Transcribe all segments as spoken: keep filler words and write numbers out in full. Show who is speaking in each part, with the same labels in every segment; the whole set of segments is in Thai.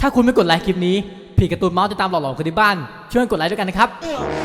Speaker 1: ถ้าคุณไม่กดไลค์คลิปนี้ผีการ์ตูนเมาส์จะตามหลอกๆคนที่บ้านช่วยกดไลค์ด้วยกันนะครับ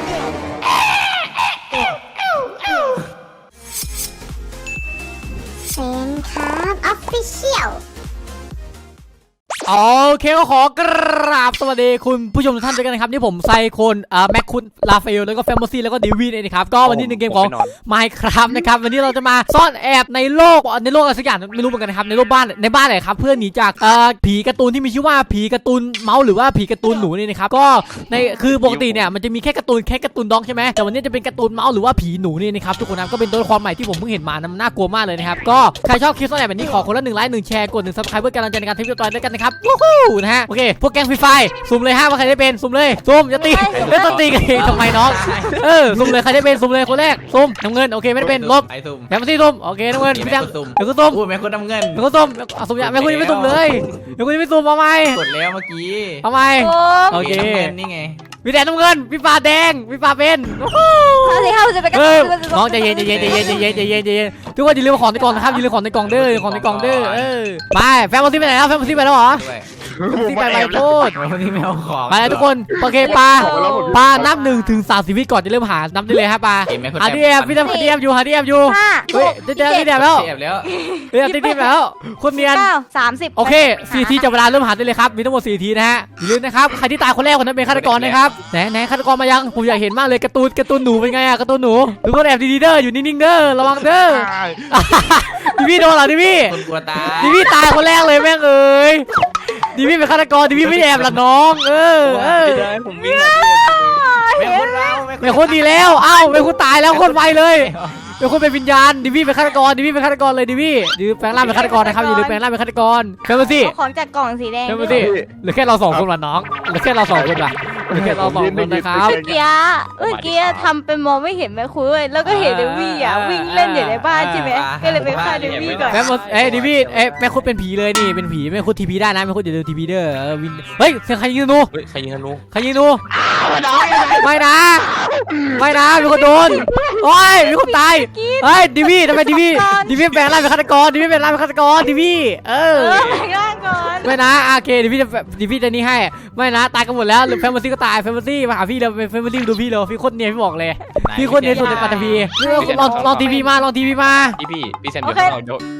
Speaker 2: เซนครับออฟฟิเชียล
Speaker 1: โอเคก็ขอกราบสวัสดีคุณผู้ชมทุกท่านด้วยกันนะครับนี่ผมไซโคนอ่าแม็กคุณลาฟาเอลแล้วก็แฟมโมซี่แล้วก็ดิวีนเองนะครับก็วันนี้หนึ่งเกมของ Minecraft นะครับวันนี้เราจะมาซ่อนแอบในโลกในโลกอะไรสักอย่างไม่รู้เหมือนกันนะครับในโลกบ้านในบ้านไหนครับเพื่อหนีจากเอ่อผีการ์ตูนที่มีชื่อว่าผีการ์ตูนเมาส์หรือว่าผีการ์ตูนหนูนี่นะครับก็ในคือปกติเนี่ยมันจะมีแค่การ์ตูนแค่การ์ตูนด็อกใช่ไหมแต่วันนี้จะเป็นการ์ตูนเมาส์หรือว่าผีหนูนี่นะครับทุกคนนะก็เป็นตัวละครใหม่ที่ผมเพิ่งเห็นมานะมันน่ากลัวมากเลยนะครับก็ใครชอบคลิปซ่อนแอบแบบนี้ขอคนละหนึ่งไลค์หนึ่งแชร์กดหนึ่งซับสไครป์เพื่อกำลังใจในการทำคลิปต่อไปด้วยกันนะครับวู้ฮู้นะฮะโอเคพวกแก๊งฟรีไฟสุ่มเลยฮะว่าใครได้เป็นสุ่มเลยสุ่มจะตีเล่นต้นตีกันเองทำไมน้องเออสุ่มเลยใครได้เป็นสุ่มเลยคนแรกสุ่มน้ำเงินโอเคไม่ได้เป็นลบ
Speaker 3: ไอ้สุ่ม
Speaker 1: แบมซี่สุ่มโอเคน้ำเงินพี่แบมเดี๋ยวกูสุ่ม
Speaker 3: พูดแม่คนน้ำเงิน
Speaker 1: เดี๋ยวกูสุ่มสุ่มอย่าแม่คุณยังไม่สุ่มเลยเดี๋ยวคุณยังไม่สุ่มเอาไหม
Speaker 3: กดแล้วเมื่อกี้
Speaker 1: เอาไหมโอเค
Speaker 3: นี่ไง
Speaker 1: พี่แดงน้ำเงินพี่ฟ้าแดงพี่ฟ้าเป็น
Speaker 2: เขาจะเข้าจะไปกัน
Speaker 1: น้องใจเย็นใจเย็นใจเย็นใจเย็นใจเย็นใจเย็นทุกคนอย่าลืมของในกล่องนะครับอย่าลืมของในกล่องเด้อของในกล่องเด้อเออไปแฟมโมซี่ไปไหนแล้วแฟมโมซี่ไปแล้วเหรอที่ไปไปโทษ
Speaker 3: วันนี้ไม่เอาของ
Speaker 1: ไปทุกคนโอเคปลาปลานับหนึ่งถึงสามสิบวิก่อนจะเริ่มหานับได้เลยฮะปลาหาที่แอบพี่แดมหาที่แอบอยู่หาที่แอบอยู่เฮ้ยได้แดมได้แดมแล้ว
Speaker 3: แอบแล้ว
Speaker 1: เฮ้ยได้แดมแล้วคนเนียน
Speaker 2: สามสิบ
Speaker 1: โอเคสี่ทีจับเวลาเริ่มหาได้เลยครับมีทั้งหมดสี่ทีนะฮะอย่าลืมนะครับใครที่ตายคนแรกคนนั้นเป็นฆาตกรนะครับไหนไหนฆาตกรมายังผมอยากเห็นมากเลยการ์ตูนการ์ตูนหนูเป็นไงอะการ์ตูนหนูทุกคนแอบดีๆเด้ออยู่นิ่งๆเด้อระวังเด้อดิวี่โดนเหรอดิวี่
Speaker 3: คนกลัวตาย
Speaker 1: ดิวี่ตายคนแรกเลยแม่งเอ้ยดิวี่เป็นฆาตกรดิวี่ไม่แอบหรอกน้องเออเออ
Speaker 3: ผมวิ่งแม่คนเรา
Speaker 1: แม่คนดีแล้วเอ้าแม่คนตายแล้วคนไวเลยแม่คนเป็นวิญญาณดิวี่เป็นฆาตกรดิวี่เป็นฆาตกรเลยดิวี่ดิวี่แปลงร่างเป็นฆาตกรนะครับอย่าลืมแปลงร่างเป็นฆาตกรเพิ่มมาสิ
Speaker 2: ของจากกล่องสีแดง
Speaker 1: เพิ่มมาสิเหลือแค่เราสองคนว่ะน้องเหลือแค่เราสองคนว่ะเหลือแค่เราสองคนนะครับ
Speaker 2: เมื่อกี้เมื่อกี้ทำเป็นมองไม่เห็นแม่คุยแล้วก็เห็นเดวี่อ่ะวิ่งเล่นอยู่ในบ้านใช่ไหมก็เลยไปฆ่าเดวี่ก่อน
Speaker 1: แม่เอ้ยดิวี่เอ้ยแม่คุณเป็นผีเลยนี่เป็นผีแม่คุณทีพีได้นะแม่คุณอย่าลืมทีพีเด้อวินเฮ้ยใครยิงธนู
Speaker 3: ใครยิงธนู
Speaker 1: ใครยิงธนูไม่นะไม่นะมีคนโดนโอ้ยมีคนตายเฮ้ยดิวี่ทำไมดิวี่ดิวี่แปลงร่างเป็นฆาตกรดิวี่แปลงร่างเป็นฆาตกรดิวี่เออ
Speaker 2: แปลงร่างก่อน
Speaker 1: ไม่นะโอเคดิวี่จะดิวี่จะนี่ให้ไม่นะตายกันหมดแล้วแฟมโมซี่ก็ตายแฟมโมซี่มาหาพี่เราเป็นแฟมโมซี่ดูพี่เราพี่โคตรเนียนพี่บอกเลยพี่โคตรเนียนสุดในปัตตภีลองลองทีวีมาลองทีวีมา
Speaker 3: พี่พี่พี่แซมเดี๋ยวเราเดี๋ยว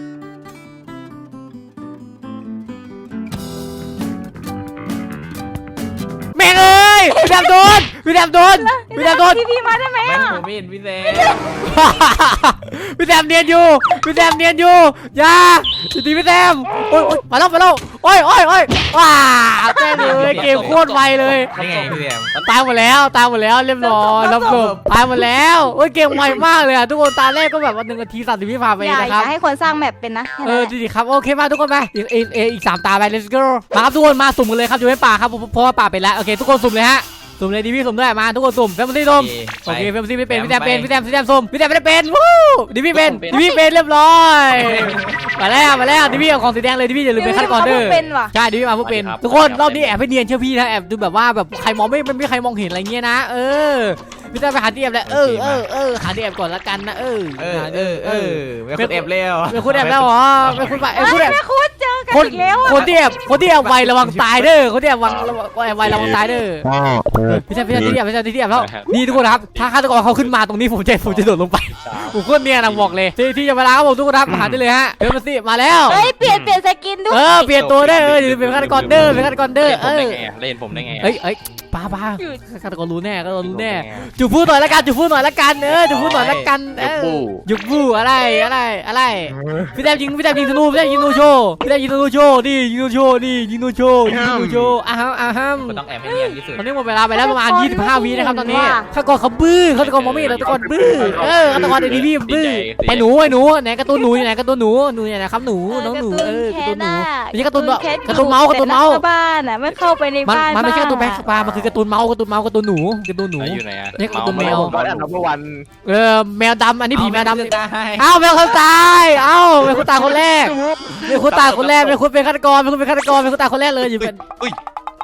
Speaker 1: แม่งเอ้ยพี่แดมโดนพี่แดมโดนพี่แดมโดน
Speaker 2: ทีวีมาได้ไหม
Speaker 3: ไม่
Speaker 2: อ่ะ
Speaker 3: ผมไม่เห็นพี่แซม
Speaker 1: พี่แดมเนียนอยู่พี่แดมเนียนอยู่อย่าตีพี่แดมโอ้ยมาแล้วมาแล้วโอ้ยโอ้ยโอ้ยว้าแม่เลยเกมโคตรไวเลย
Speaker 3: นี่ไงพี่แซม
Speaker 1: ตายหมดแล้วตายหมดแล้วเรียบร้อยรับจบตายหมดแล้วโอ้ยเกมไวมากเลยอ่ะทุกคนตาแรกก็แบบว่าหนึ่งนาทีสามสิบวิผ่านไปนะครับ
Speaker 2: อย่าให้คนสร้างแมปเป็นนะ
Speaker 1: เออดีครับโอเคมาทุกคนไปอีกอีกอีกสามตาไป let's go มาครับทุกคนมาสุ่มกันเลยครับอยู่ในป่าครับเพราะว่าป่าไปแล้วโอเคทุกคนสุ่มเลยฮะสุ่มเลยดิวี่สุ่มด้วยมาทุกคนสุ่มแฟมซี่สุ่มโอเคแฟมซี่ไม่เป็นพี่แดมเป็นพี่แดมพี่แดมสุ่มพี่แดมไม่ได้เป็นวู้ดิวี่เป็นดิวี่เป็นเรียบร้อยมาแล้วมาแล้วดิวี่เอาของสีแดงเลยดิวี่อย่าลืมเป็นฆาตกรเด้อใช่ดิวี่มาเพื่อเป็นทุกคนรอบนี้แอบให้เนียนเชื่อพี่นะแอบดูแบบว่าแบบใครมองไม่ไม่ใครมองเห็นอะไรเงี้ยนะเออพี่จะไปหาที่แอบแล้วเออเออเออหาที่แอบก่อนละกันนะเออ
Speaker 3: เออเออเออไม่คุณแอบแล้ว
Speaker 1: ไม่คุณแอบแล้วเหรอไม่คุณไปไอ้คุณแอบ
Speaker 2: ไม่คุณเจอกันอีกแล้ว
Speaker 1: คนที่แอบคนที่แอบไวระวังตายเด้อคนที่แอบวังแอบไวระวังตายเด้อพี่ชายพี่ชายที่แอบพี่ชายที่แอบแล้วนี่ทุกคนครับถ้าฆาตกรเขาขึ้นมาตรงนี้ผมจะผมจะโดดลงไปผมโคตรเนียนนะบอกเลยที่ที่จะเวลาครับผมทุกคนครับหาได้เลยฮะเดี๋ยวมาสิมาแล้ว
Speaker 2: เฮ้ยเปลี่ยนเปลี่ยนสกินด้วย
Speaker 1: เออเปลี่ยนตัวได้เออเป็นฆาตกรเด้อเป็นฆาตกรเด้อเออ
Speaker 3: เล่นผมได้ไง
Speaker 1: เอ้ยเอ้ยป้าป้าฆาตกรรู้แน่ฆาตกรรู้แน่จุดพูดหน่อยละกันจุดพูดหน่อยละกันเออจุดพูดหน่อยละกันเออหยุดบูอะไรอะไรอะไรพี่แดมยิงพี่แดมยิงธนูพี่แดมยิงธนูโชว์พี่แดมยิงธนูโชว์นี่ยิงธนูโชว์นี่ยิงธนูโชว์ยิงธนูโชว์อ้าวอ้าว
Speaker 3: ต้องแอบให้เนียนที่สุด
Speaker 1: ตอนนี้หมดเวลาไปแล้วประมาณยี่สิบห้าวินะครับตอนนี้ฆาตกรเขาบื้อฆาตกรมองไม่เห็นฆาตกรบื้อเออฆาตกรเดลิวี่บื้อไอ้หนูไอ้หนูไหนการ์ตูนหนูอยู่ไหนการ์ตูนหนูหนูอยู่ไหนครับหนูน้องหนูเออการ์ตูนหนูนี่การ์ตูนการ์ตูนเมาส์การ์ตูนเมาส์
Speaker 2: บ้านอ่ะไม่เข้าไปในบ้าน
Speaker 1: มันไม่ใช่การ์ตูนแบ็คปลามันคือการ์ตูนเมาส์การ์ตูนเมาส์การ์ตูนหนูการ์ตูนหนู
Speaker 3: อยู่ไหนอ่ะ
Speaker 1: นี่การ์ตูนแมว
Speaker 4: วัน
Speaker 1: เออแมวดำอันนี้ผีแมวดำเอ้าแมวเขาตายเอ้าแมวคุณตายคนแรกแมวคุณตายคนแรกแมวคุณเป็นฆาตกรแมวคุณเป็นฆาตกรแมวคุณตายคนแรกเลยอยู่เป็น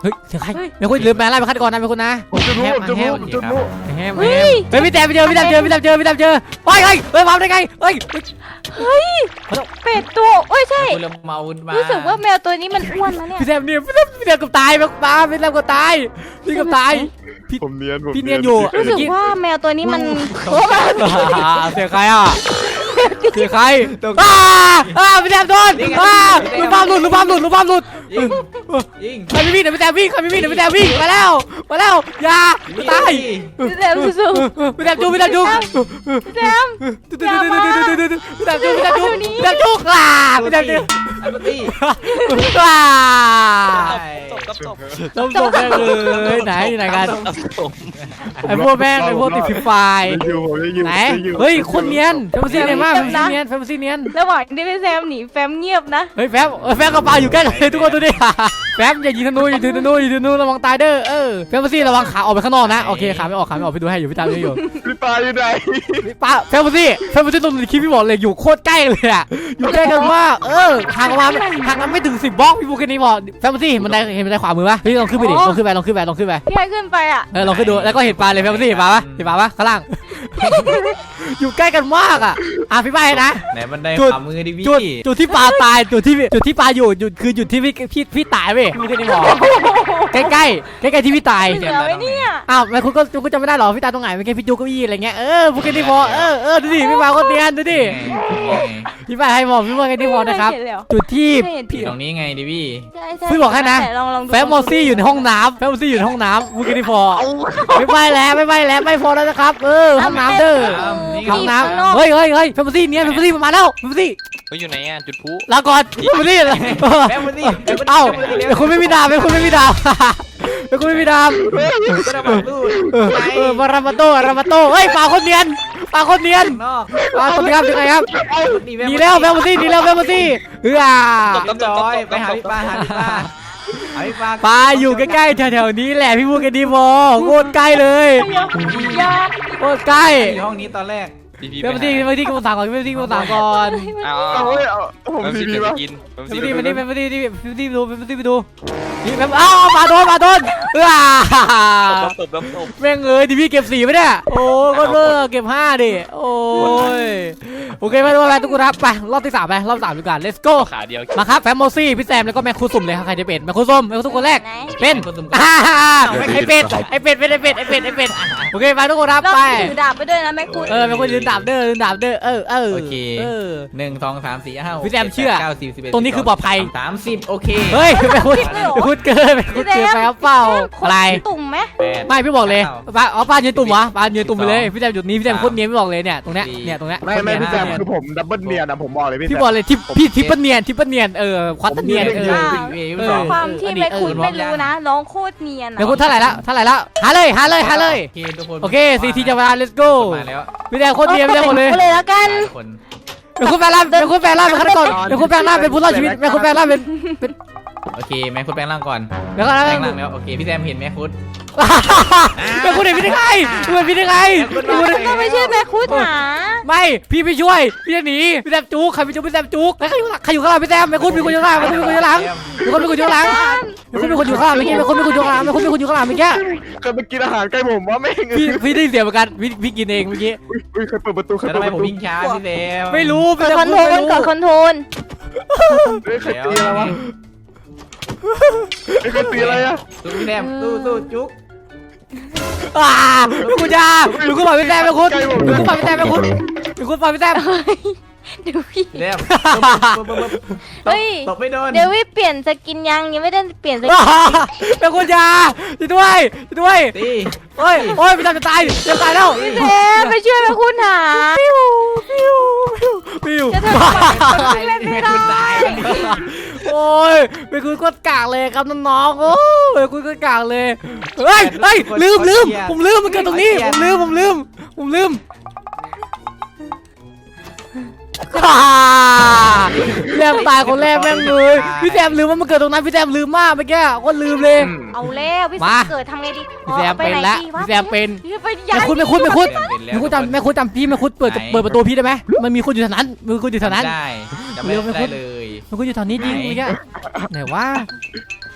Speaker 1: เฮ้ยเสียงใครไม่คุณลืมแปลงร่างเป็นฆาตกรนะไม่คุณนะ
Speaker 4: ผมจะรู้ผมจะรู้ผมจะรู้
Speaker 1: แฮมแฮมเฮ้ยพี่แต้มไปเจอพี่แต้มเจอพี่แต้มเจอพี่แต้มเจอเฮ้ยเฮ้ยเฮ้ยมาได้ไงเฮ้ย
Speaker 2: เฮ้ยเป็ดตัวโอ้ยใช่
Speaker 3: คุณเริ่มเมาขึ้นมา
Speaker 2: รู้สึกว่าแมวตัวนี้มันอ้วนนะเนี่ย
Speaker 1: พี่แต้มเนี่ยพี่แต้มพี่แต้มกับตายแบบตายพี่แต้มกับตายพี่กับตาย
Speaker 4: ผมเนียนผม
Speaker 1: พี่เนียนอยู่
Speaker 2: รู้สึกว่าแมวตัวนี้มันโอ้
Speaker 1: เสียใครอ่ะเสียใครอ้าอ้าพี่แต้มโดนอ้าลูกบ้ามหลุดลูกบ้ามหลุดลูกบ้ามหลุด
Speaker 3: ยิงยิง
Speaker 1: ใครไม่วิ่งเดี๋ยวพี่แต้มวิ่งใครไม่วิ่งเดี๋ยวพี่แต้มวิ่งมาแล้วมาแล้วอย่าตาย
Speaker 2: พี่แซมสู้
Speaker 1: พี่แต้มจูพี่แต้มจู
Speaker 2: ๆพี่แซม
Speaker 1: พี่แต้มจูพี่แต้มจูพี่แต้มจูพี่แต้มจูอ่าพี่แต้มจู
Speaker 3: อันนี้
Speaker 1: อ่า
Speaker 3: จบจบจบ
Speaker 1: ต้องจบแม่งเลยไหนอยู่ไหนกันไอ้พวกแม่งไอ้พวกติดฟิฟาย
Speaker 4: อยู่ผมจะอยู่
Speaker 1: ไหนเฮ้ยคนเนียนแฟมซี่เนียนมากแฟมซี่เนียนแฟมซี่เนียน
Speaker 2: ระหว่างที่พี่แซมหนีแฟมเงียบนะ
Speaker 1: เฮ้ยแฟมแฟมกระเป๋าอยู่ใกล้เลยทุกคนดูดิแฟมอย่ายิงธนูอย่ายิงธนูอย่ายิงธนูระวังตายเด้อเออแฟมซี่ระวังขาออกไปข้างนอกนะโอเคขาไม่ออกขาไม่ออกไปดูให้อยู่พี่ตามอยู่
Speaker 4: พี่ปลาอยู่ไหน
Speaker 1: ป้าแฟมซี่แฟมซี่ตรงในคลิปพี่บอกเลยอยู่โคตรใกล้เลยอ่ะอยู่ใกล้กันมากเออห่างประมาณห่างกันไม่ถึงสิบบล็อกพี่พูดแค่นี้บอกแฟมซี่เห็นบันไดเห็นบันไดขวามือปะพี่ลองขึ้นไปดิลองขึ้นไปลองขึ้นไปลองขึ้นไป
Speaker 2: พี่ให้ขึ้นไปอ่ะ
Speaker 1: เออลองขึ้นดูแล้วก็เห็นปลาเลยแฟมซี่เห็นปลาปะเห็นปลาปะข้างล่าง อยู่ใกล้กันมากอ่ะอ่ะพี่ใบนะ
Speaker 3: ไหนบันไดขวามือดิพี่
Speaker 1: จุดจุดที่ปลาตายจุดที่จุดที่ปลาอยู่จุดคือจุดที่พี่พี่พี่ตายเว้ยพี่ที่นี่บอกใกล้ใกล้ใกล้ใกล้ๆที่พี่ตาย
Speaker 2: เหลือไว้เนี่ย
Speaker 1: อ้าวแม่คุณก็คุณจำไม่ได้หรอพี่ตายตรงไหนเมื่อกี้พี่จูเก้าอี้อะไรเงี้ยเออพูดแค่นี้พอเออเออดูดิพี่ปลาก็เนียนดูดิพี่ใบให้บอกพี่ว่าแค่นี้พอนะครับจุดที่
Speaker 3: พี่ตรงนี้ไงดิพี่
Speaker 2: ใช่ใช่
Speaker 1: พี่บอกให้นะ
Speaker 2: ลองลองดู
Speaker 1: แฟมมอซี่อยู่ในห้องน้ำแฟมมอซี่อยู่ในห้องน้ำพูดแค่นี้พอไม่ไปแล้วไม่ไปแล้วไม่พอแล้วนะครับเออห้องน้ำเด้อห้องน้ำเฮ้ยเฮ้ยเฮ้ยแฟมมอซี่เนียนแฟมมอซี่มาแล้วแฟมมอซี่
Speaker 5: เฮ้ยอยู่ไหนอ่ะจุดพลุ
Speaker 1: ลาก่อนแฟมมอซี่
Speaker 3: แม่มาดิ
Speaker 1: เอ้าเป็นคุณไม่มีดาบเป็นคุณไม่มีดาบเป็นคุณไม่มีดาบ
Speaker 3: ก็ได้มาตู้
Speaker 1: เออเออมารามาโตรามาโตเฮ้ยปลาคนเนียนปลาคนเนียน
Speaker 3: นอก
Speaker 1: ปลาคนเนียนยังไงครับหนีแล้วแฟมมอซี่หนีแล้วแฟมมอซี่เออ
Speaker 3: จบจอยไปหาพี่ปลาหาพี่ปลาหาพี่ปลา
Speaker 1: ปลาอยู่ใกล้ๆแถวๆนี้แหละพี่พูดกันดีพอโคตรใกล้เลย
Speaker 2: ยา
Speaker 1: โคตรใกล้
Speaker 3: อยู่ห้องนี้ตอนแรก
Speaker 5: พี่พี่
Speaker 1: แฟมมอซี่แฟมมอซี่กำลังสั่งก่อนแฟมมอซี่กำลังสั่งก่อน
Speaker 5: เอา
Speaker 4: เอา
Speaker 5: เอา
Speaker 4: เว้ยเอาผม
Speaker 5: เอา
Speaker 4: ที
Speaker 5: พี่
Speaker 4: พี
Speaker 5: ไป
Speaker 4: วะ
Speaker 5: กิน
Speaker 1: แฟมมอซี่มานี่แฟมมอซี่นี่แฟมมอซี่ไปดูแฟมมอซี่ไปดูนี่แฟมอ้าวปลาโดนปลาโดนเออ
Speaker 5: ตบตบตบตบ
Speaker 1: แม่งเอ้ยดิพี่เก็บสี่ไปเนี่ยโอ้ก็เลิกเก็บห้าดิโอ้ยโอเคไม่รู้อะไรทุกคนครับไปรอบที่สามไปรอบสามดีกว่า let's go
Speaker 5: ขาเดียว
Speaker 1: มาครับแฟมโมซี่พี่แซมแล้วก็แม่ครูสุ่มเลยครับใครจะเป็นแม่ครูส้มแม่ครูส้มคนแรก
Speaker 2: ไหน
Speaker 1: เป็นอ่าไอเป็ดไอเป็ดเป็นไอเป็ดไอเป็ดไอเป็ดโอเคไปทุกคนครับ
Speaker 2: เรา
Speaker 1: ไป
Speaker 2: ถือดาบไปด้วยนะแม่คุณ
Speaker 1: เออแม่ครูยืนดาบเด้อยืนดาบเด้อเออเออ
Speaker 3: โอเค
Speaker 1: เออ
Speaker 3: หนึ่งสองสามสี่ห้า
Speaker 1: พี่แซมเชื่อ
Speaker 3: เก้าสิบสิบเอ็ด
Speaker 1: ตรงนี้คือปลอดภัย
Speaker 3: สามสิบโอเค
Speaker 1: เฮ้ยแม่ครูแม่ครูเกินแม่ครูเกินไปครับเปล่าอะไร
Speaker 2: ตุ่มไหม
Speaker 3: แปด
Speaker 1: ไม่พี่บอกเลยป้าอ๋อป้ายืนตุ่มวะป้ายืนตุ่มไปเลยพี่แซมจุดนี้พี่แซมโคตรเนียนพี่บอกเลยเนี่ยตรงเนี้ยเนี่ยตรงเนี้ย
Speaker 4: ไม่ไม่พี่แซมคือผมดับเบิลเนียนอะผมบอกเลยพี่
Speaker 1: พี่
Speaker 4: แซม
Speaker 1: บอกเลยทิปพี่ทิปเปิลเนียนทิปเปิลเนียนเออควอเตอร์เนียนเออ
Speaker 3: เออ
Speaker 2: ความที่แม่คุณไม่รู้นะร้องโคตรเนียน
Speaker 1: แม่คุณเท่าไหร่ละเท่าไหร่ละหาเลยหาเลยหาเลย
Speaker 3: โอเคทุกคน
Speaker 1: โอเคสี่ทีจะเวลา let's go
Speaker 3: มาแล้ว
Speaker 1: พี่แดงโคตรเนียนพี่แดงหมดเลย
Speaker 2: เลยแล้วกัน
Speaker 3: คน
Speaker 1: เป็นคุณแปลงร่างเป็นคุณแปลงร่างเป็นฆาตกรเป็นคุณแปลงร่างเป็นผู้รอดชีวิตเป็นคุณแปลงร่างเป็นเป็น
Speaker 3: โอเคแม่คุดแปลงร่างก่อน
Speaker 1: แล้วก็
Speaker 3: แป
Speaker 1: แล้
Speaker 3: ลงร่างแล้วโอเคพี่แซมเห็นแม่คุด
Speaker 1: เป็นคุณเห็นพี่ได้ไงคุณเห็นพี่ได้ไงคุณ
Speaker 2: ก็ไม่ใช่แม่คุณหา
Speaker 1: ไม่พี่ไม่ช่วยพี่จะหนีพี่แซมจุกใครไปจุกพี่แซมจุกแล้วใครอยู่ใครอยู่ข้างหลังพี่แซมไม่คุณมีคนอยู่ข้างหลังไม่คุณมีคนอยู่ข้างหลังไม่คุณมีคนอยู่ข้างหลังไม่คุณมีคนอยู่ข้างหลังเมื่อกี้ไม่คุณมีคนอยู่ข้างหลังไม่คุณมีคนอยู่ข้างหลังเมื่อกี้
Speaker 4: เคยไปกินอาหารใกล้ผมว่าแม่ง
Speaker 1: พี่พี่ได้ยินเสียงเหมือนกันพี่พี่กินเองเมื่อกี้
Speaker 4: อุ้ยเคยเปิดประตูเคย
Speaker 3: แล้ว
Speaker 4: เปิ
Speaker 3: ทำ
Speaker 4: ด ประตู
Speaker 3: ไมผมวิ่งช้าพี่แซม
Speaker 1: ไม่รู้
Speaker 2: กดคอนโทรลกดคอนโทรล
Speaker 4: เฮ้ยเคยตีอะไรวะเฮ้ยเคยตีอะไรอะ
Speaker 3: สู้พี่แซมสู้สู้จุ๊ก
Speaker 1: อ่าลูกคุณยาลูกคุณปล่อยพี่แซมไปคุณลูกคุณปล่อยพี่แซมไปคุณลูกคุณปล่อยพี่แซม
Speaker 2: เดี๋ยวพี่
Speaker 3: พี่แซม
Speaker 2: เฮ้ย
Speaker 3: ตบไม่โดน
Speaker 2: เดี๋ยวพี่เปลี่ยนสกินยังยังไม่ได้เปลี่ยนสกิน
Speaker 1: เป็นคุณยาช่วยด้วยช่วยด้วย
Speaker 3: ตี
Speaker 1: โอ้ยโอ้ยพี่แซมจะตายจะตายแล้ว
Speaker 2: เอ๊ะไปช่วยแม่คุณหา
Speaker 1: ปิ้วปิ้วปิ้ว
Speaker 2: จะทำอะไรเล่นไม่ได้
Speaker 1: โอ้ยเป็นคุณก็กากเลยครับน้องๆโอ้ยเป็นคุณก็กากเลยเฮ้ยเฮ้ยลืมลืมผมลืมมันเกิดตรงนี้ผมลืมผมลืมผมลืมแซมตายคนแรกแม่งเลยพี่แซมลืมว่ามันเกิดตรงนั้นพี่แซมลืมมากเมื่อกี้ก็ลืมเลย
Speaker 2: เอาแล้วพี่
Speaker 1: มา
Speaker 2: เกิดทำไงดี
Speaker 1: พี่แซมเป็นแล้วพี่แซมเป็น
Speaker 2: ไป
Speaker 1: แม่
Speaker 2: ย้าย
Speaker 1: คุณแม่คุณแม่คุณ
Speaker 3: เป็นแล้ว
Speaker 1: แม่คุณจำแม่คุณจำพี่แม่คุณเปิดเปิดประตูพี่ได้ไหมมันมีคนอยู่แถวนั้นมีคนอยู่แถวนั้น
Speaker 3: ได้จะไม่ได้เลย
Speaker 1: แม่คุณอยู่แถวนี้จริงเมื่อกี้ไหนวะ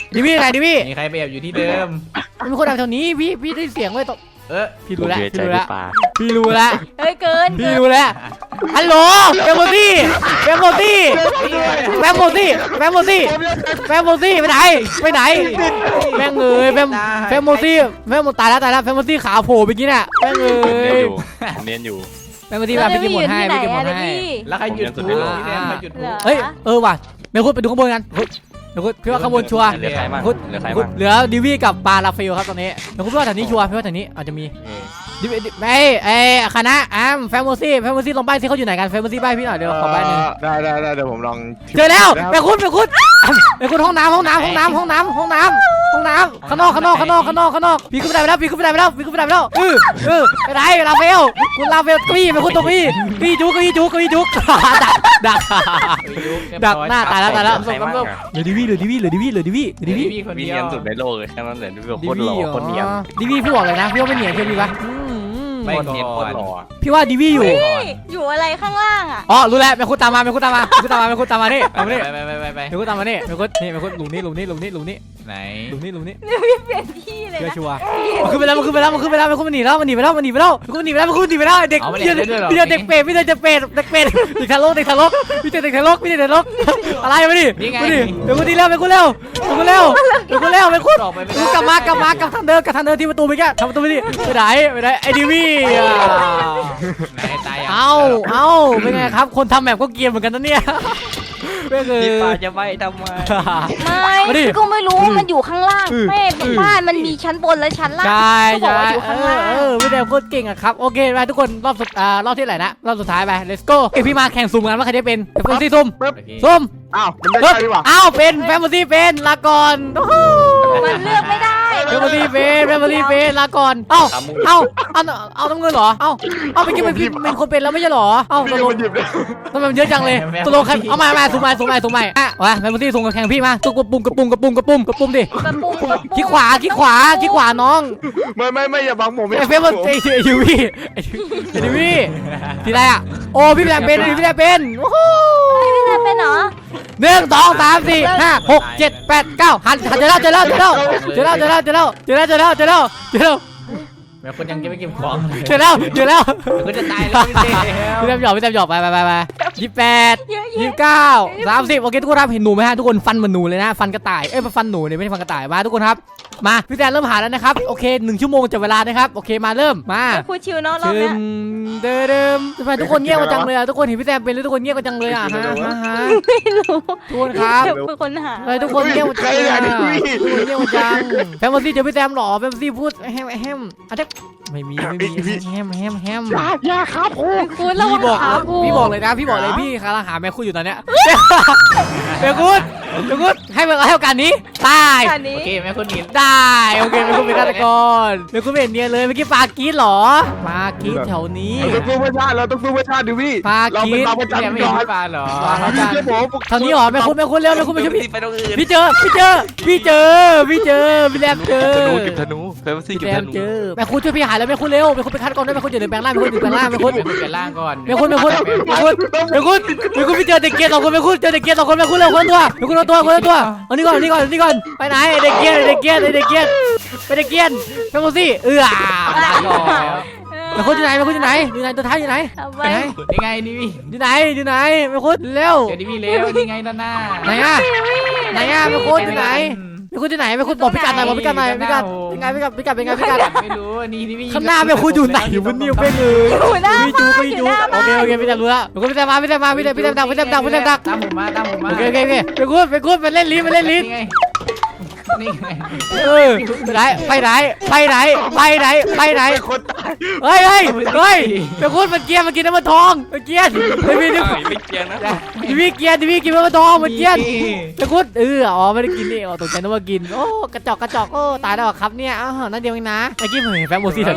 Speaker 1: ดิวี่ไหนดิวี่
Speaker 3: มีใครไปแอบอยู่ที่เดิม
Speaker 1: มีคนแอบแถวนี้พี่พี่ได้เสียงไว้ตรง
Speaker 3: เออ
Speaker 1: พี่รู้แล้ว
Speaker 5: เสียใจ
Speaker 1: พี่รู้แล้ว
Speaker 5: พี่ปา
Speaker 1: พี่รู้แล้ว
Speaker 2: เฮ้ยเกิน
Speaker 1: พี่รู้แล้วฮัลโหลแฟมโมซี่แฟมโมซี่แฟมโมซี่แฟมโมซี่แฟมโมซี่ไปไหนไปไหนแม่งเอ้ยแฟมแฟมโมซี่แฟมโมตายแล้วตายแล้วแฟมโมซี่ขาโผล่ไปกี้น่ะแม่งเอ้
Speaker 5: เนียน
Speaker 1: ย
Speaker 5: อยู่เนียนอยู่
Speaker 1: แฟมโมซี่มาไปกินหมดให้ไปกินหมดให้
Speaker 3: แล้วใครหยุดพูดพี่แดนใครหยุดพูด
Speaker 1: เฮ้ยเออว่ะเดี๋ยวคุณไปดูข้างบนกันเฮ้ยเดี๋ยวคุณพี่ว่าข้างบนชัวร์
Speaker 5: เหลือใครบ้าง
Speaker 1: คุณ
Speaker 5: เหลือใคร
Speaker 1: คุณ
Speaker 5: บ้าง
Speaker 1: เหลือดิวี่กับปาราเฟลครับตอนนี้เดี๋ยวคุณพี่ว่าแถวนี้ชัวร์พี่ว่าแถวนี้อาจจะมี
Speaker 5: เออ
Speaker 1: ดิวี่ดิไอ้ไอ้คณะอ้ามแฟมโมซี่แฟมโมซี่ลองใบ้สิเขาอยู่ไหนกันแฟมโมซี่ใบ้พี่หน่อยเดี๋ยวขอใบ้หนึ่ง
Speaker 4: ได้ได้ได้เดี๋ยวผมลอง
Speaker 1: เจอแล้วแม่คุณแม่คุณแม่คุณห้องน้ำห้องน้ำห้องน้ำห้องน้ำห้องน้ำห้องน้ำข้างนอกข้างนอกข้างนอกข้างนอกข้างนอกพี่ขึ้นไปได้ไปแล้วพี่ขึ้นไปได้ไปแล้วพี่ขึ้นไปได้ไปแล้วเออเออไปไหนลาเฟลคุณลาเฟลกี้แม่คุณตรงนี้กี้จุกกี้จุกกี้จุกดักดักดักหน้าตายแล้วตายแล้ว
Speaker 5: ใครบ้างอะ
Speaker 1: เหลือดิวี่เหลือดิวี่เหลือดิวี่เหลือดิวี่เหลือ
Speaker 3: ดี
Speaker 1: ดิวี่
Speaker 3: พี่คน
Speaker 5: วี
Speaker 3: เดี
Speaker 5: เนี
Speaker 3: ย
Speaker 5: ยนสุดในโลกเลยแค่นั้นแหละดูแบบ
Speaker 1: ดิ
Speaker 5: โคตรหล่อ
Speaker 1: วี่
Speaker 5: โคตรเนียน
Speaker 1: ดิวี่พี่บอกเลยนะพี่ว่าไม่เนียนเชื่อพี่ปะอืม
Speaker 3: ไม่
Speaker 5: โคตรเนียนโคตรหล่อ
Speaker 1: พี่ว่าดิวี่อยู่
Speaker 2: อยู่อะไรข้างล่างอ่ะ
Speaker 1: อ๋อรู้แล้วแม่คุณตามมาแม่คุณตามมาแม่คุณตามมาแม่คุณตามมานี่
Speaker 3: ไป
Speaker 1: เอามานี่
Speaker 3: ไปไปไปไป
Speaker 1: แม่คุณตามมานี่แม่คุณนี่แม่คุณหลุมนี้หลุมนี้หลุมนี้หลุมนี้
Speaker 3: ไหน
Speaker 1: หลุมนี้หลุมนี้
Speaker 2: เปลี่ยนที่เลย
Speaker 1: เชื่อ
Speaker 2: นะ
Speaker 1: ชัวร์มันขึ้นไปแล้วมันขึ้นไปแล้วมันขึ้นไปแล้วแม่คุณมันหนีแล้วมันหนีไปแล้วมันหนีไปแล้วแม่คุณหนีไปแล้วแม่คุณหนีไปแล้วเด็กพี่เด็กเด็กเปรตพี่เด็กเด็กเปรตเด็กเปรตเด็กทารกเด็กทารกพี่เด็กเด็กทารกพี่เด็กเด็กทารกอะไรมาดิมาดิแม่คุณดีแล้วแม่คุณเร็วแม่คุณเร็วแม่คุณเร็วแม่คุณ
Speaker 3: ออกไปไม่
Speaker 1: กู
Speaker 3: ได้
Speaker 1: กลับมากลับมากลับทางเดิมกลับทางเดิมที่ประตูไปแกทำประตูไปดิไปไหนไปไหนไอ้ดิวี่อ่ะ
Speaker 3: ไหนตาย
Speaker 1: เอาเอาเป็นไงครับคนทำแบบก็เกรียนเหมือนกันนะเนี่ยไม่เคย
Speaker 5: พี่ปาจะไปทำไม
Speaker 1: มาดิ
Speaker 2: ไม่ก็ไม่รู้ว่ามันอยู่ข้างล่าง
Speaker 1: อืม
Speaker 2: แม่บ้านมันมีชั้นบนและชั้นล่าง
Speaker 1: ใช่
Speaker 2: ก็บอก
Speaker 1: ใช่
Speaker 2: ว่าอยู่
Speaker 1: เอ
Speaker 2: ข้าง
Speaker 1: อ
Speaker 2: ล่าง
Speaker 1: เออพี่แดงโคตรเก่งอะครับโอเคไปทุกคนรอบสุดอ่ารอบที่ไหนนะรอบสุดท้ายไป let's go เอ้ยพี่มาแข่งซุ่มกันว่าใครได้เป็นเดี๋ยวเฟมซี่ซุ่ม ซุ่ม
Speaker 4: อ้าวมันได้ใช่ดีกว่า
Speaker 1: อ้าวเป็นแฟมซี่เป็นลาก่อนโอ้โห
Speaker 2: มันเลือกไม่ได้
Speaker 1: แฟมซี่เป็นแฟมซี่เป็นลาก่อนเอ้าเอ้าเอาเอาน้ำเงินเหรอเอ้าเอาไปกินมันเป็นคนเป็นแล้วไม่ใช่เหรอเอ้าต
Speaker 4: พี่
Speaker 1: กลง
Speaker 4: มันหยิบเลย
Speaker 1: ทำไมมันเยอะจังเลยตกลงใครเอามามาสุ่มมาสุ่มมาสุ่มมาอ่ะวะแฟมซี่สุ่มกับแข่งพี่มาตุ๊กกระปุ่มกระปุ่มกระปุ่มกระปุ่มกระปุ่มดิ
Speaker 2: กระปุกกระปุก
Speaker 1: ขี้ขวาขี้ขวาขี้ขวาน้อง
Speaker 4: ไม่ไม่ไม่อย่าบังผม
Speaker 1: ไอ้เฟมมันไอ้ไอ้ยูวี่ไอ้ยูวี่ทีไรอ่ะโอ้พี่แดงเป็นพี่แดงเป็นโอ้โห
Speaker 2: ไม่ได้เป็นเหรอ
Speaker 1: หนึ่งสองสามสี่ห้าหกเจ็ดแปดเก้าหันหันเจอแล้วเจอแล้วเจอแล้วเจอแล้วเจอแล้วเจอแล้วเจอแล้วเจอแล้วเจอแล้วเจอแล้ว
Speaker 3: แม่คนยังจะไม่เก็บของ
Speaker 1: เจอแล้วเจอแล้ว
Speaker 3: ก็จะตายแล้วพี่เด
Speaker 1: พี่แต้มหยอกพี่แต้มหยอกไปไปไปไปยี่สิบแปด
Speaker 2: เยอะ
Speaker 1: ยี่
Speaker 2: แยะ
Speaker 1: สิบเก้าสามสิบโอเคทุกคนครับเห็นหนูไหมฮะทุกคนฟันเหมือนหนูเลยนะฟันกระต่ายเอ้ยฟันหนูเนี่ยไม่ใช่ฟันกระต่ายมาทุกคนครับมาพี่แต้มเริ่มหาแล้วนะครับโอเคหนึ่งชั่วโมงจับเวลานะครับโอเคมาเริ่มมา
Speaker 2: พูดชิวเนาะรอบ
Speaker 1: เดิ
Speaker 2: เนี้ย
Speaker 1: มเดิมเดิมทำไมทุกคนเงียบกันจังเลยอ่ะทุกคนเห็นพี่แต้มเป็นแล้วทุกคนเงียบกันจังเลยอ่ะฮะฮะฮะ
Speaker 2: ไม่รู้
Speaker 1: ทุกคนครับ
Speaker 2: เป็นคนหา
Speaker 1: ทำไมทุกคนเงียบกันจังเลยอ่ะทุกคนเงียบกันจังแฟมซี่เจอพี่แต้มหรอแฟมซี่พูดแฮมแฮมอ่ะเด็กไม่มีไม่มีแฮมแฮมแฮม
Speaker 4: อย่าอย่าครับโอ้
Speaker 2: คุณระ
Speaker 1: พี่บ
Speaker 2: วั
Speaker 1: อง ก
Speaker 2: ขาพู
Speaker 1: พี่บอกเลยนะพี่บอกเลยพี่กำลังหาแม่คุณอยู่ตอนเนี้ยเดี๋ยวคุณเดี๋ยวคุณให้เวลาให้โอกาสนี้ตาย
Speaker 2: อันนี้
Speaker 3: โอเคแม่คนนี้
Speaker 1: ได้โอเคแม่คุณเป็นฆาตกรแม่คุณไม่เห็นเนียนเลยเมื่อกี้ปากีดหรอปากีดแถวนี้
Speaker 4: เราต้องสู้เพื่อชาติเราต้องสู้เพื่อชาติดิวี่
Speaker 1: ปา
Speaker 4: เรา
Speaker 1: กี
Speaker 4: เป็น
Speaker 1: ด
Speaker 4: เราประ
Speaker 3: ยัง
Speaker 4: จำ
Speaker 3: ไม่
Speaker 4: ก่
Speaker 3: เห็น
Speaker 4: อน
Speaker 3: พี่ปาเหรอ
Speaker 4: พี่เชื่อผม
Speaker 1: แถวนี้หรอแม่คุณแม่คุณเร็วแม่คุณไปช่วยพี่
Speaker 5: ไปตรงอื่น
Speaker 1: พี่เจอพี่เจอพี่เจอพี่เจอพี่แรมเจอ
Speaker 5: ธนูเก็บธนูเฟมซี่
Speaker 1: พี่
Speaker 5: เก็บ
Speaker 1: แร
Speaker 5: ธ
Speaker 1: ม
Speaker 5: นู
Speaker 1: เจอแม่คุณช่วยพี่หายแล้วแม่คุณเร็วแม่คุณไปคัดก่อนด้วยแม่คุณอย่าเดินแปลงร่างแม่คุณอย่าเดินแปลงร่างแม่คุณ
Speaker 3: แม่คนเปลี่ยนร่างก่อน
Speaker 1: แม่คุณแม่คุณแม่คุณแม่คุณแม่คุณพี่เจอเด็กเกียร์สองคนแม่คุณเจอเด็กเกียร์สองคนแม่คุณเร็วคนตัวแม่คุณเอาตัวคนละตัวเอานี่ก่อนเอานี่ก่อนเอานี่ก่อนไปไหนเด็กเกียร์เด็กเกียร์เด็กเกียร์ไปเด็กเกียร์แม่คุณสิเออ
Speaker 3: ตายก่อนแล้ว
Speaker 1: แม่คุณอยู่ไหนแม่คุณอยู่ไหนอยู่ไหนตัวท้ายอยู่ไหน
Speaker 2: เอา
Speaker 1: ไป
Speaker 2: ไว้
Speaker 1: ไหน
Speaker 3: นี่ไงนี่พี่
Speaker 1: อยู่ไหนอยู่ไหนแม่คุณเร็ว
Speaker 3: เจอดิพี่เร็วนี่ไงด้านหน้า
Speaker 1: ไหนอะไหนอะแม่คุณอยู่ไหนแม่คุณอยู่ไหนแม่คุณบอกพิกัดหน่อยบอกพิกัดหน่อยพิกัดยังไงพิกัดพิกัดเป็นไงพิกัด
Speaker 3: ไม่รู้นี่นี่พี่
Speaker 1: ข้างหน้าแม่คุณอยู่ไหนมันนิ่วเป้งเลย
Speaker 2: อยู่หน้า
Speaker 1: พี่จู
Speaker 2: บ้าน
Speaker 1: พี่
Speaker 2: อยู่
Speaker 1: จู
Speaker 2: หน้า
Speaker 1: โอ
Speaker 2: บ้าน
Speaker 1: เคโอเคพี่แต้มรู้แล้วแม่คุณพี่แต้มมาพี่แต้มมาพี่แต้มพี่แต้มดักพี่แต้มดักพี่แต้มดัก
Speaker 3: ตามผมมาตามผมมา
Speaker 1: โอเคโอเคโอเคไปกูดไปกูดไปเล่นลิ้นไปเล่นลิ้น
Speaker 3: นี่ไงนี่ไง
Speaker 1: เออไปไหนไปไหนไปไหนไปไหนไปไหน
Speaker 4: คนตาย
Speaker 1: เฮ้ยเฮ้ยเฮ้ยไปกูดมันเกียร์มันกินน้ำมันทองมันเกียร์ไอ้พี่นี่
Speaker 5: ไม่เกี่ยงนะ
Speaker 1: ดิวี่เกียร์ดิวี่กินน้ำมันทองมันเกียร์ไปกูดเอออ๋อไม่ได้กินนี่อ๋อตกใจนึกว่ากินโอ้กระจอกกระจอกโอ้ตายแล้วครับเนี่ยอ้าวนั่นเดียวเองนะไอ้กี้ผมเห็นแฟมโมซี่แถวนี้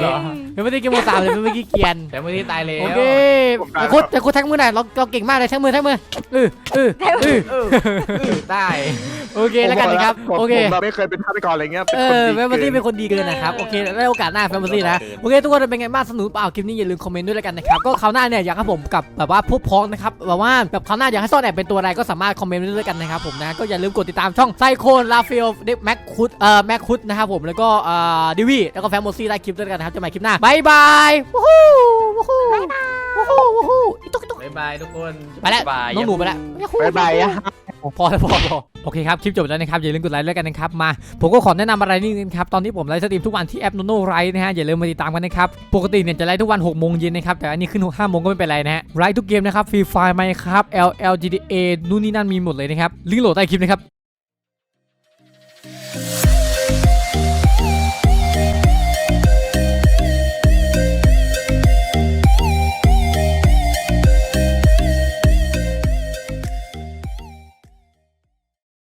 Speaker 1: เป็นไม่ได้เกมโมสามเลยเป็นไม่กี้เกียน
Speaker 3: แต่เมื่อที่ตายแล้ว
Speaker 1: โอเคแต่คุดแต่คุดแท็กมือหน่อยเราเราเก่งมากเลยแท็กมือแท็กมือเออเออเออ
Speaker 3: เออเออได้
Speaker 1: โอเคแล้วกันนะครับ
Speaker 4: ผม
Speaker 1: โอเค
Speaker 4: ผมแบบไม่เคยเป็นฆาตกรอะไรเงี้ยเป็น
Speaker 1: เอ
Speaker 4: คน
Speaker 1: อ
Speaker 4: ดี
Speaker 1: แฟม
Speaker 4: เกิ
Speaker 1: ซี่
Speaker 4: น
Speaker 1: เป็นคนดีเกินนะครับโอเคได้โอกาสหน้าแฟมซี่นะโอเคทุกคนเป็นไงบ้างสนุกเปล่าคลิปนี้อย่าลืมคอมเมนต์ด้วยแล้วกันนะครับก็คราวหน้าเนี่ยอยากให้ผมกับแบบว่าพวกพ้องนะครับแบบว่าแบบคราวหน้าอยากให้ซ่อนแอบเป็นตัวอะไรก็สามารถคอมเมนต์ด้วยกันนะครับผมนะก็อย่าลืมกดติดตามช่องไซโคนลาเฟลเด็กแม็กคุดเอ่อแม็กคุดนะครับผมแล้วก็เอ่อดิวี่แล้วก็แฟมซี่ได้คลิปด้วยกันนะครับจะใหม่คลิปหน้าบายบายวู้ฮู้วู้ฮู้วู้ฮู้วู้ฮู้อีตุ๊กตุ๊ก
Speaker 3: บ๊ายบายทุกคน
Speaker 1: ไปแล้วน้องหนูไปแล้ว
Speaker 4: บ๊ายบายอะ
Speaker 1: พอแล้วพอพอโอเคครับคลิปจบแล้วนะครับอย่าลืมกดไลค์ด้วยกันนะครับมาผมก็ขอแนะนำอะไรนิดนึงครับตอนนี้ผมไลฟ์สตรีมทุกวันที่แอป Nono Live นะฮะอย่าลืมมาติดตามกันนะครับปกติเนี่ยจะไลฟ์ทุกวันหกโมงเย็นนะครับแต่อันนี้ขึ้นห้าโมงก็ไม่เป็นไรนะฮะไลฟ์ทุกเกมนะครับฟรีไฟล์ไหมครับ แอล แอล จี ที เอ นู่นนี่นั่นมีหมดเลยนะครับลิงก์โหลดใต้คลิปนะครับ